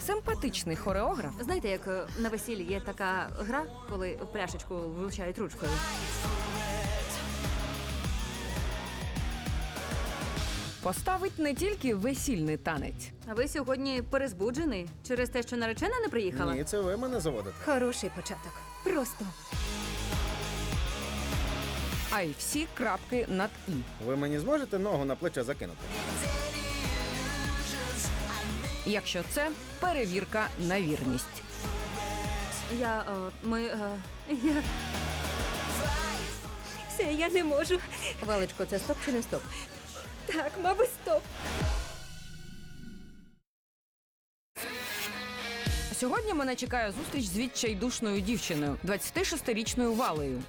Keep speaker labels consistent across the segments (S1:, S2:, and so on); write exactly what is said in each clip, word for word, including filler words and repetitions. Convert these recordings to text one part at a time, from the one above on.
S1: симпатичний хореограф.
S2: Знаєте, як е, на весіллі є така гра, коли в пляшечку влучають ручкою?
S1: Поставить не тільки весільний танець.
S2: А ви сьогодні перезбуджений через те, що наречена не приїхала?
S3: Ні, це ви мене заводите.
S4: Хороший початок. Просто.
S1: А й всі крапки над «і».
S3: Ви мені зможете ногу на плече закинути?
S1: Якщо це перевірка на вірність.
S2: Я, е, ми, е, я...
S4: Все, я не можу.
S5: Валечко, це стоп чи не стоп?
S4: Так, мабуть, стоп.
S1: Сьогодні мене чекає зустріч з відчайдушною дівчиною, двадцятишестирічною Валею.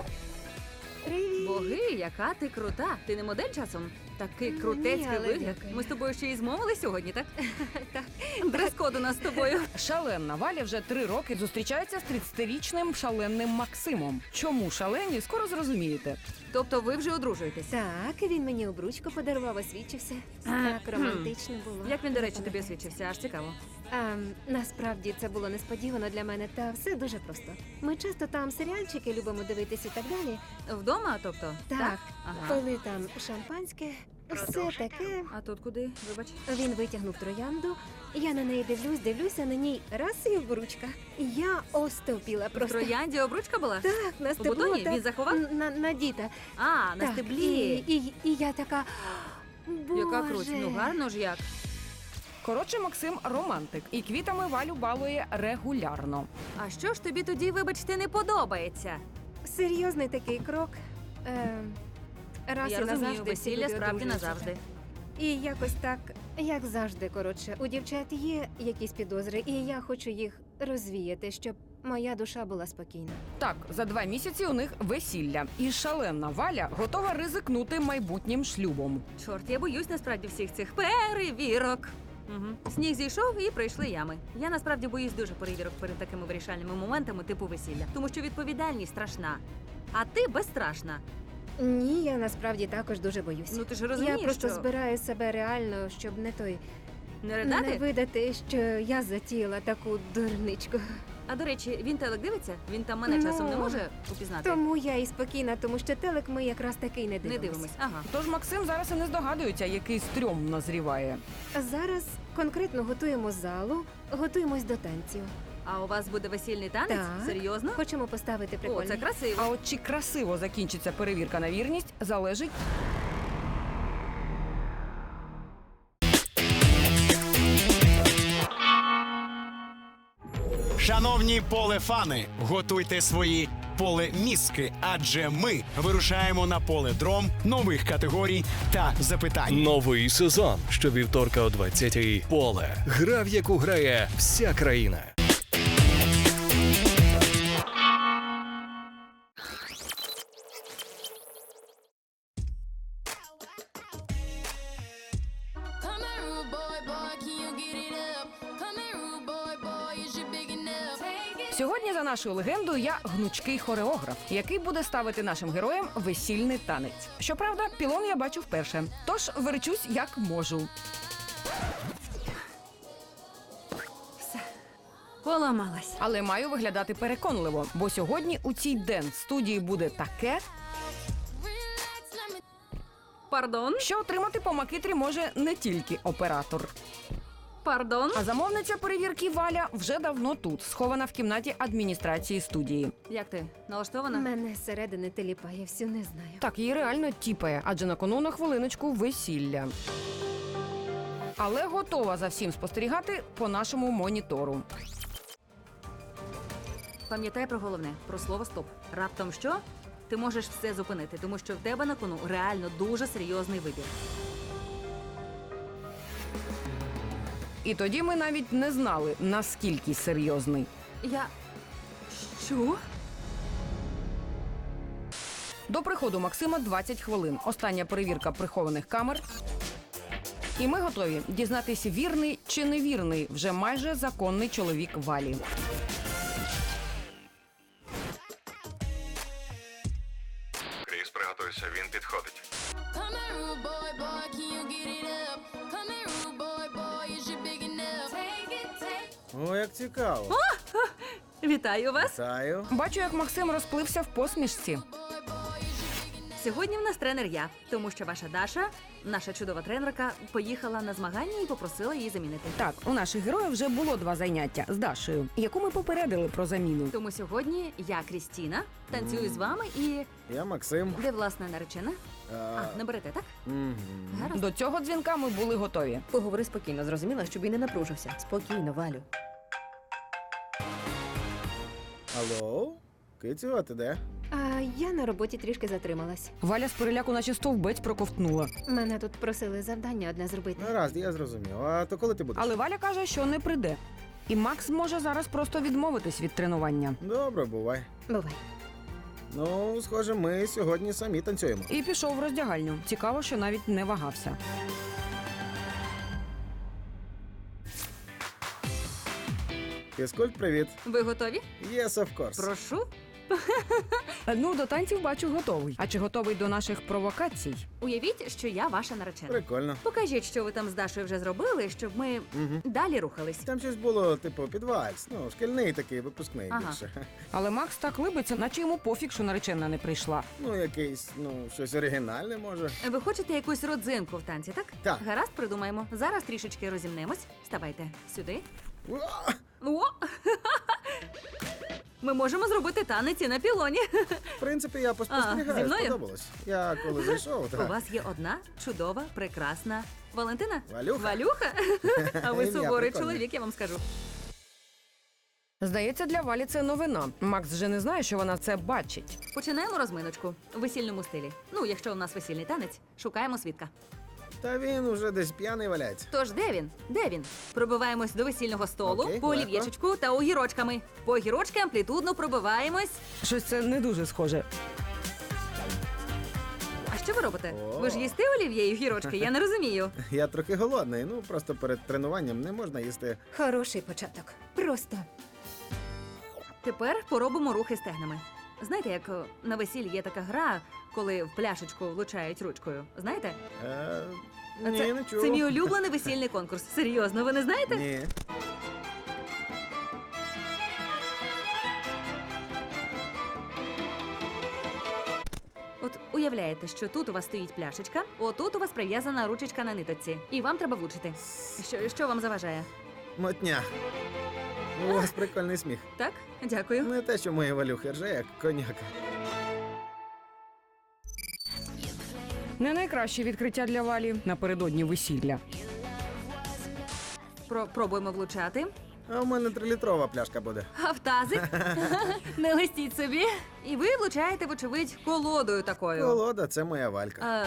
S4: Привіт.
S2: Боги, яка ти крута. Ти не модель часом? Такий
S4: Ні,
S2: крутецький
S4: але
S2: вигляд.
S4: дякую.
S2: Ми з тобою ще й змовили сьогодні, так?
S4: Так.
S2: Дрес-код у нас з тобою.
S1: Шаленна Валя вже три роки зустрічається з тридцятирічним шаленним Максимом. Чому шалені, скоро зрозумієте.
S2: Тобто ви вже одружуєтесь?
S4: Так, він мені обручку подарував, освічився. Так романтично було.
S2: Як він, до речі, тобі освічився? Аж цікаво.
S4: А, насправді це було несподівано для мене, та все дуже просто. Ми часто там серіальчики любимо дивитися і так далі.
S2: Вдома, тобто?
S4: Так,
S2: Ага.
S4: коли там шампанське, все таке.
S2: А тут куди? Вибач.
S4: Він витягнув троянду, я на неї дивлюсь, дивлюся на ній раз і обручка. Я остовпіла
S2: В
S4: просто.
S2: троянді обручка була?
S4: Так, на стебло.
S2: бутоні?
S4: так,
S2: Він заховав?
S4: н- На, на діта.
S2: А, на
S4: Так,
S2: стеблі.
S4: І, і, і я така. Боже.
S2: Яка круть. Ну гарно ж як.
S1: Коротше, Максим романтик і квітами Валю балує регулярно.
S2: А що ж тобі тоді, вибачте, не подобається?
S4: Серйозний такий крок. Е, раз
S2: Я
S4: і
S2: розумію,
S4: назавжди всі
S2: весілля
S4: люди
S2: справді
S4: одружуються.
S2: назавжди.
S4: І якось так, як завжди, коротше, у дівчат є якісь підозри, і я хочу їх розвіяти, щоб моя душа була спокійна.
S1: Так, за два місяці у них весілля. І шаленна Валя готова ризикнути майбутнім шлюбом.
S2: Чорт, я боюсь насправді всіх цих перевірок. Угу. Сніг зійшов і прийшли ями. Я насправді боюсь дуже перевірок перед такими вирішальними моментами типу весілля, тому що відповідальність страшна. А ти безстрашна.
S4: Ні, я насправді також дуже боюсь.
S2: Ну ти ж розумієш,
S4: я просто
S2: що
S4: збираю себе реально, щоб не той
S2: не
S4: не
S2: ридати?
S4: видати, що я затіяла таку дурничку.
S2: А до речі, він телек дивиться? Він там мене
S4: Ну,
S2: часом не може упізнати?
S4: Тому я і спокійна, тому що телек ми якраз таки й не
S2: Не
S4: дивимось.
S2: дивимось. Ага.
S1: Тож Максим зараз і не здогадується, який стрьом назріває.
S4: А зараз конкретно готуємо залу, готуємось до танців.
S2: А у вас буде весільний танець?
S4: Так.
S2: Серйозно?
S4: Хочемо поставити
S2: О,
S4: прикольний.
S2: це красиво.
S1: А от чи красиво закінчиться перевірка на вірність, залежить.
S6: Шановні полефани, готуйте свої полеміски, адже ми вирушаємо на поле дром нових категорій та запитань.
S7: Новий сезон щовівторка о двадцятій. Поле. Гра, в яку грає вся країна.
S8: Come here, rude boy, boy, can you get it up? Come here, rude boy, boy, is you big enough? Take it.
S1: Сьогодні, за нашою легендою, я гнучкий хореограф, який буде ставити нашим героям весільний танець. Щоправда, пілон я бачу вперше, тож верчусь як можу.
S2: Поламалась.
S1: Але маю виглядати переконливо, бо сьогодні у цій денс-студії буде таке,
S8: Relax, let me.
S2: Пардон?
S1: що отримати по макитрі може не тільки оператор.
S2: Пардон?
S1: А замовниця перевірки Валя вже давно тут, схована в кімнаті адміністрації студії.
S2: Як ти? Налаштована?
S4: Мене зсередини теліпає, всю не знаю.
S1: Так, її реально тіпає, адже на кону на хвилиночку весілля. Але готова за всім спостерігати по нашому монітору.
S2: Пам'ятай про головне, про слово стоп. Раптом що? Ти можеш все зупинити, тому що в тебе на кону реально дуже серйозний вибір.
S1: І тоді ми навіть не знали, наскільки серйозний.
S2: Я. Що?
S1: До приходу Максима двадцять хвилин. Остання перевірка прихованих камер. І ми готові дізнатися, вірний чи невірний вже майже законний чоловік Валі.
S9: Кріс, приготуйся, він підходить.
S8: Come here, rude boy, boy, can you get it up? Come here, rude boy, boy, is you big enough? Take it, take
S3: О, як цікаво.
S2: Вітаю вас!
S3: Вітаю.
S1: Бачу, як Максим розплився в посмішці.
S2: Сьогодні в нас тренер я, тому що ваша Даша, наша чудова тренерка, поїхала на змагання і попросила її замінити.
S1: Так, у наших героїв вже було два заняття з Дашею, яку ми попередили про заміну.
S2: Тому сьогодні я, Крістіна, танцюю з вами і
S3: Я Максим.
S2: де власне наречена?
S3: А,
S2: А, не берете, так?
S3: мгм.
S2: Гаразд.
S1: До цього дзвінка ми були готові.
S5: Поговори спокійно, зрозуміла, щоб він не напружився. Спокійно, Валю.
S3: Алло? Кицю, а ти де?
S4: А я на роботі трішки затрималась.
S1: Валя з переляку наче стовбець проковтнула.
S4: Мене тут просили завдання одне зробити.
S3: Гаразд, я зрозумів. А то коли ти будеш?
S1: Але Валя каже, що не прийде. І Макс може зараз просто відмовитись від тренування.
S3: Добре, бувай.
S4: Бувай.
S3: Ну, схоже, ми сьогодні самі танцюємо.
S1: І пішов в роздягальню. Цікаво, що навіть не вагався.
S3: Фізкульт, привіт.
S2: Ви готові?
S3: Yes, of course.
S2: Прошу.
S1: Ну, до танців бачу готовий. А чи готовий до наших провокацій?
S2: Уявіть, що я ваша наречена.
S3: Прикольно.
S2: Покажіть, що ви там з Дашою вже зробили, щоб ми
S3: Угу.
S2: далі рухались.
S3: Там щось було, типу, під вальс. Ну, шкільний такий, випускний
S2: Ага.
S3: більше.
S1: Але Макс так либиться, наче йому пофіг, що наречена не прийшла.
S3: Ну, якийсь, ну, щось оригінальне, може.
S2: Ви хочете якусь родзинку в танці, так?
S3: Так.
S2: Гаразд, придумаємо. Зараз трішечки розімнемось. Ставайте сюди.
S3: Уа!
S2: О! Ми можемо зробити танець і на пілоні.
S3: В принципі, я
S2: А, зі
S3: поспостерігаю,
S2: мною?
S3: сподобалось. Я коли зайшов,
S2: У
S3: так.
S2: вас є одна чудова, прекрасна Валентина?
S3: Валюха.
S2: Валюха? А ви
S3: Ім'я
S2: суворий
S3: прикольне.
S2: чоловік, я вам скажу.
S1: Здається, для Валі це новина. Макс вже не знає, що вона це бачить.
S2: Починаємо розминочку у весільному стилі. Ну, якщо у нас весільний танець, шукаємо свідка.
S3: Та він уже десь п'яний валяється.
S2: Тож де він? Де він? Пробиваємось до весільного столу,
S3: Окей,
S2: по
S3: легко.
S2: олів'єчечку та огірочками. По огірочки амплітудно пробиваємось.
S1: Щось це не дуже схоже.
S2: А що ви робите?
S3: О.
S2: Ви ж їсте олів'є і огірочки? Я не розумію.
S3: Я трохи голодний, ну просто перед тренуванням не можна їсти.
S4: Хороший початок. Просто.
S2: Тепер поробимо рухи стегнами. Знаєте, як о, на весіллі є така гра, коли в пляшечку влучають ручкою? Знаєте?
S3: Е,
S2: А
S3: ні,
S2: це,
S3: не чув.
S2: це мій улюблений весільний конкурс. Серйозно, ви не знаєте?
S3: Ні.
S2: От уявляєте, що тут у вас стоїть пляшечка, отут у вас прив'язана ручечка на ниточці, і вам треба влучити. Що, що вам заважає?
S3: Мотня. У вас прикольний сміх.
S2: Так? Дякую.
S3: Не те, що мої валюхи рже, як коняка.
S1: Не найкраще відкриття для Валі напередодні весілля.
S2: Про, пробуємо влучати.
S3: А у мене трилітрова пляшка буде.
S2: А в тазик? Не листіть собі. І ви влучаєте, вочевидь, колодою такою.
S3: Колода, це моя валька.
S2: А,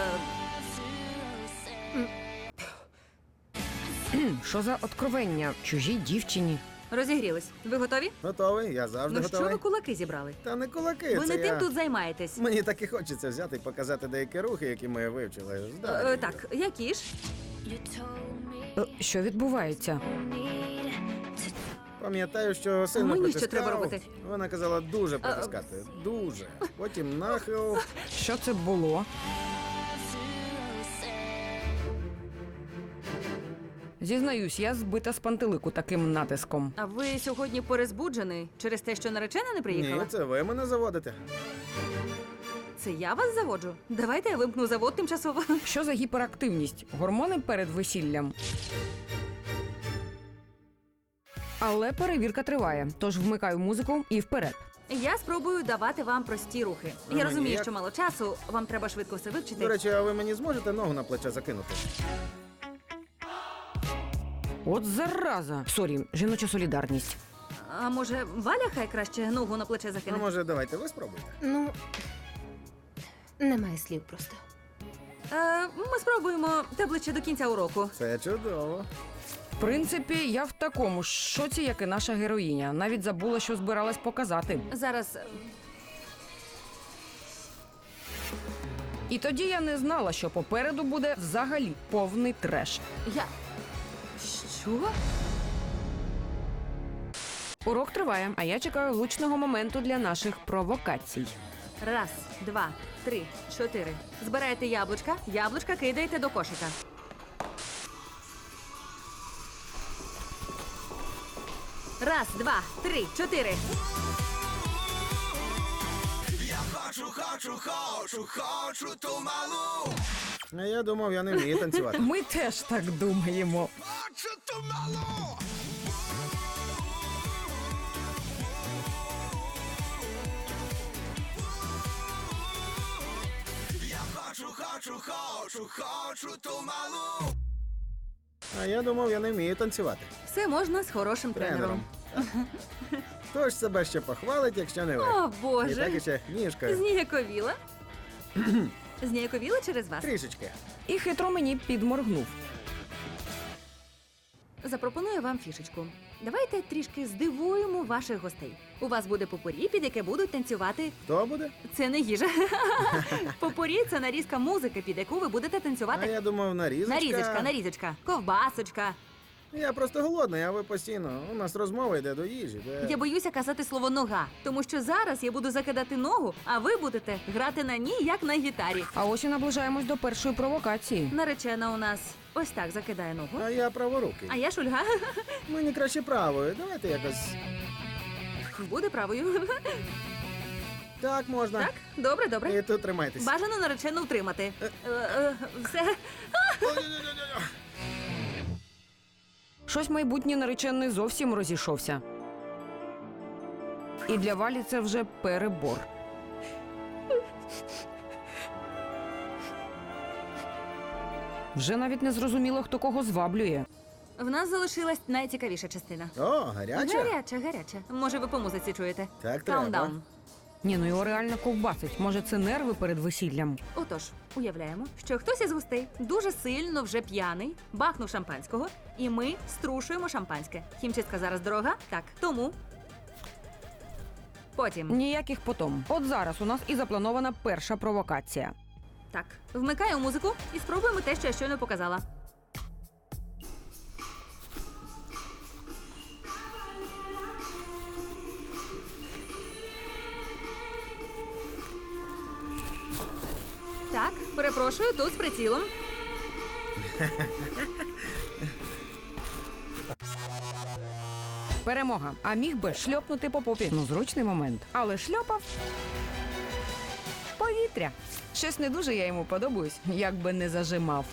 S1: Кхм, Що за откровення чужій дівчині?
S2: розігрілись. Ви готові?
S3: Готовий, я завжди
S2: Ну що
S3: готовий.
S2: ви кулаки зібрали?
S3: Та не кулаки,
S2: Ви
S3: це
S2: не
S3: я...
S2: тим тут займаєтесь.
S3: Мені так і хочеться взяти і показати деякі рухи, які ми вивчили.
S2: Е,
S3: Здалі.
S2: е, так, які ж?
S1: Е, Що відбувається?
S3: Пам'ятаю, що сильно
S2: Мені що
S3: притискав.
S2: треба робити?
S3: Вона казала дуже притискати. Дуже. Потім нахил.
S1: Що це було? Зізнаюсь, я збита з пантелику таким натиском.
S2: А ви сьогодні перезбуджений через те, що наречена не приїхала?
S3: Ні, це ви мене заводите.
S2: Це я вас заводжу. Давайте я вимкну завод тимчасово.
S1: Що за гіперактивність? Гормони перед весіллям? Але перевірка триває, тож вмикаю музику і вперед.
S2: Я спробую давати вам прості рухи.
S3: А
S2: Я
S3: мені
S2: розумію,
S3: як?
S2: що мало часу, вам треба швидко все вивчити.
S3: До речі, а ви мені зможете ногу на плече закинути?
S1: От зараза! Сорі, жіноча солідарність.
S2: А може, Валя хай краще ногу на плече
S3: Ну,
S2: закине?
S3: може, давайте ви спробуйте.
S4: Ну, немає слів просто.
S2: Е, ми спробуємо те ближче до кінця уроку.
S3: Це чудово.
S1: В принципі, я в такому ж шоці, як і наша героїня. Навіть забула, що збиралась показати.
S2: Зараз е,
S1: І тоді я не знала, що попереду буде взагалі повний треш.
S2: я. Що?
S1: Урок триває, а я чекаю влучного моменту для наших провокацій.
S2: Раз, два, три, чотири. Збираєте яблучка, яблучка кидаєте до кошика. Раз, два, три, чотири.
S3: А я думав, я не вмію танцювати.
S1: Ми теж так думаємо.
S3: А я думав, я не вмію танцювати.
S2: Все можна з хорошим тренером.
S3: Тренером. Хто ж себе ще похвалить, якщо не ви?
S2: О,
S3: І так
S2: Боже.
S3: іще ніжкою.
S2: Зніяковіла. Зніяковіла через вас.
S3: Трішечки.
S1: І хитро мені підморгнув.
S2: Запропоную вам фішечку. Давайте трішки здивуємо ваших гостей. У вас буде попорі, під яке будуть танцювати.
S3: Хто буде?
S2: Це не їжа. Попорі це нарізка музики, під яку ви будете
S3: А
S2: танцювати.
S3: я думав, нарізочка.
S2: Нарізочка, нарізочка, ковбасочка.
S3: Я просто голодний, а ви постійно. У нас розмова йде до їжі. Де...
S2: Я боюся казати слово нога, тому що зараз я буду закидати ногу, а ви будете грати на ній, як на гітарі.
S1: А ось і наближаємось до першої провокації.
S2: Наречена у нас ось так закидає ногу.
S3: А я праворукий.
S2: А я Шульга.
S3: Мені краще правою. Давайте якось.
S2: Буде правою.
S3: Так можна.
S2: Так? Добре,
S3: І
S2: добре.
S3: тут тримайтесь.
S2: Бажано наречену утримати. Е, е, Все.
S1: Щось майбутній наречений зовсім розійшовся. І для Валі це вже перебор. Вже навіть не зрозуміло, хто кого зваблює.
S2: В нас залишилась найцікавіша частина.
S3: О, гаряча?
S2: Гаряча, гаряча. Може, ви по музиці чуєте?
S3: Так треба.
S2: Countdown.
S1: Ні, ну його реально ковбасить. Може, це нерви перед весіллям?
S2: Отож, уявляємо, що хтось із гостей дуже сильно вже п'яний, бахнув шампанського, і ми струшуємо шампанське. Хімчистка зараз дорога? Так. Тому. Потім.
S1: Ніяких потом. От зараз у нас і запланована перша провокація.
S2: Так. Вмикаю музику і спробуємо те, що я щойно показала. Так, перепрошую, тут з прицілом.
S1: Перемога. А міг би шльопнути по попі. Ну, зручний момент. Але шльопав повітря. Щось не дуже я йому подобаюсь, як би не зажимав.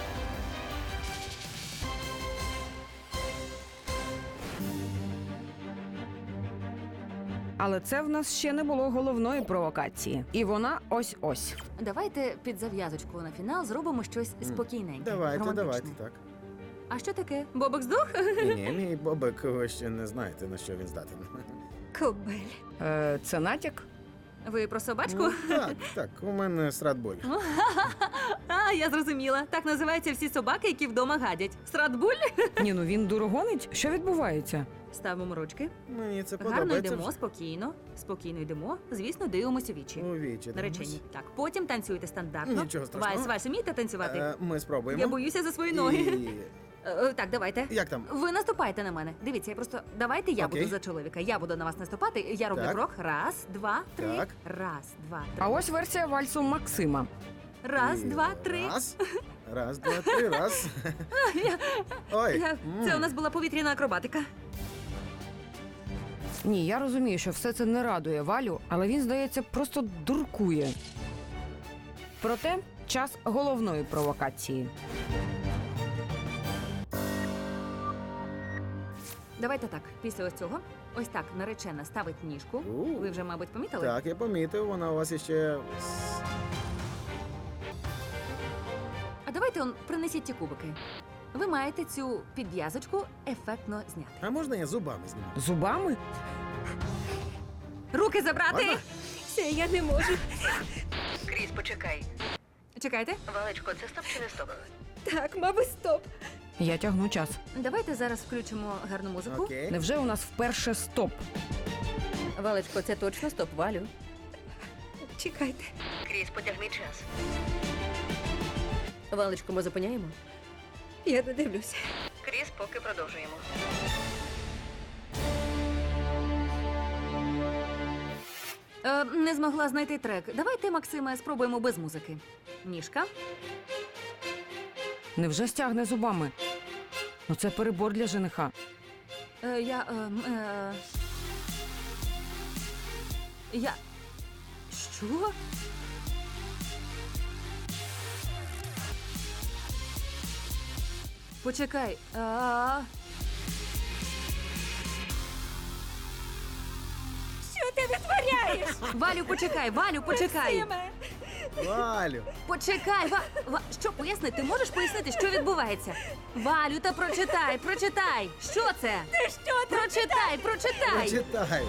S1: Але це в нас ще не було головної провокації. І вона ось-ось.
S2: Давайте під зав'язочку на фінал зробимо щось спокійненьке.
S3: Давайте,
S2: романтичне.
S3: давайте, так.
S2: А що таке? Бобок здох?
S3: Ні, ні, мій бобик, ви ще не знаєте, на що він здатен.
S2: Кобель.
S1: Е, це натяк?
S2: Ви про собачку?
S3: Ну, так, так, у мене стратбуль.
S2: А, я зрозуміла. Так називаються всі собаки, які вдома гадять. Стратбуль?
S1: Ні, ну він дурогонить. Що відбувається?
S2: Ставимо ручки.
S3: Мені це
S2: Гарно
S3: подобається.
S2: йдемо, спокійно. Спокійно йдемо. Звісно, дивимося у вічі.
S3: У вічі.
S2: Наречені. Так, потім танцюйте стандартно.
S3: Нічого страшного.
S2: Вальс, вальс, вмієте танцювати?
S3: Е, Ми спробуємо.
S2: Я боюся за свої ноги.
S3: І...
S2: Е, е, Так, давайте.
S3: Як там?
S2: Ви наступайте на мене. Дивіться, я просто давайте я
S3: Окей.
S2: буду за чоловіка. Я буду на вас наступати. Я роблю
S3: Так.
S2: крок. Раз, два, три.
S3: Так.
S2: Раз, два, три.
S1: А ось версія вальсу Максима.
S2: Раз,
S3: І
S2: два, три.
S3: Раз, раз, два, три, раз. Ой.
S2: Я-
S3: м.
S2: Це у нас була повітряна акробатика.
S1: Ні, я розумію, що все це не радує Валю, але він, здається, просто дуркує. Проте час головної провокації.
S2: Давайте так. Після ось цього, ось так наречена ставить ніжку.
S3: У.
S2: Ви вже, мабуть, помітили?
S3: Так, я помітив, вона у вас іще.
S2: А давайте он принесіть ті кубики. Ви маєте цю підв'язочку ефектно зняти.
S3: А можна я зубами зніму?
S1: Зубами?
S2: Руки забрати!
S3: Можна?
S2: Все, я не можу.
S5: Кріс, почекай.
S2: Чекайте.
S5: Валечко, це стоп чи не стоп?
S2: Так, мабуть, стоп.
S1: Я тягну час.
S2: Давайте зараз включимо гарну музику.
S3: Окей.
S1: Невже у нас вперше стоп?
S5: Валечко, це точно стоп, Валю.
S2: Чекайте.
S5: Кріс, потягни час. Валечко, ми зупиняємо?
S2: Я не дивлюся.
S5: Кріс, поки продовжуємо.
S2: Е, не змогла знайти трек. Давайте, Максиме, спробуємо без музики. Ніжка.
S1: Невже стягне зубами? Ну це перебор для жениха.
S2: Е, я. ем, Е, я. Що? Почекай. А...
S4: Що ти витворяєш?
S2: Валю, почекай, Валю, почекай.
S3: Валю,
S2: Почекай, Ва... Ва... Що, поясни, ти можеш пояснити, що відбувається? Валю, та прочитай, прочитай. Що це?
S4: Ти що ти?
S2: Прочитай, прочитай.
S3: прочитай.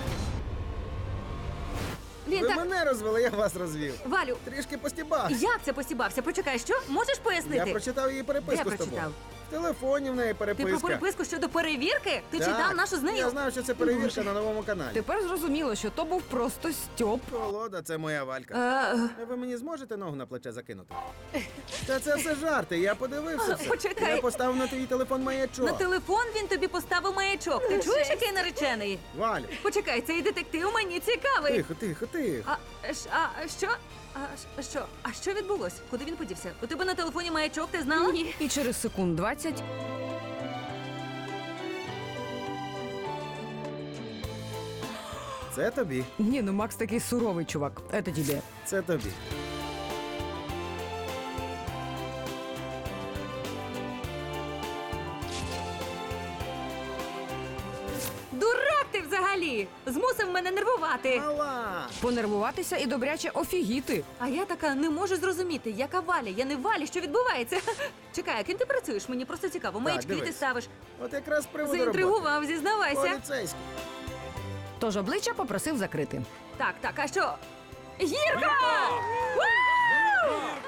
S2: Він
S3: Ви
S2: так.
S3: мене розвели, я вас розвів.
S2: Валю,
S3: Трішки постібав.
S2: як це посібався? Почекай, що? Можеш пояснити?
S3: Я прочитав її переписку
S2: Де
S3: з тобою.
S2: прочитав?
S3: В телефоні в неї
S2: Ти
S3: переписка.
S2: про переписку щодо перевірки? Ти
S3: Так.
S2: читав нашу з нею?
S3: Я знав, що це перевірка на новому каналі.
S1: Тепер зрозуміло, що то був просто стьоп.
S3: Волода, це моя Валька.
S2: Е,
S3: Ви мені зможете ногу на плече закинути? Та це все жарти, я подивився все.
S2: Почекай.
S3: Я поставив на твій телефон маячок.
S2: на телефон він тобі поставив маячок. Ти чуєш, який наречений?
S3: Валю,
S2: Почекай, цей детектив мені цікавий.
S3: тихо, тихо, тихо.
S2: А, ш- а що? А ш- що? А що відбулось? Куди він подівся? У тебе на телефоні маячок, ти знала? Ні.
S1: І через секунд двадцять
S3: Це тобі,
S1: ні, ну Макс такий суровий чувак. Це тобі.
S3: це тобі.
S2: Дурак ти взагалі! Змусив мене нервувати.
S3: Мала!
S1: Понервуватися і добряче офігіти.
S2: А я така не можу зрозуміти, яка Валя, я не Валя, що відбувається. Чекай, а ким ти працюєш? Мені просто цікаво. Маячки ти
S3: дивись.
S2: ставиш.
S3: От якраз з приводу роботи.
S2: Заінтригував, зізнавайся.
S3: Поліцейський.
S1: Тож обличчя попросив закрити.
S2: Так, так, а що? Гірка! Вау!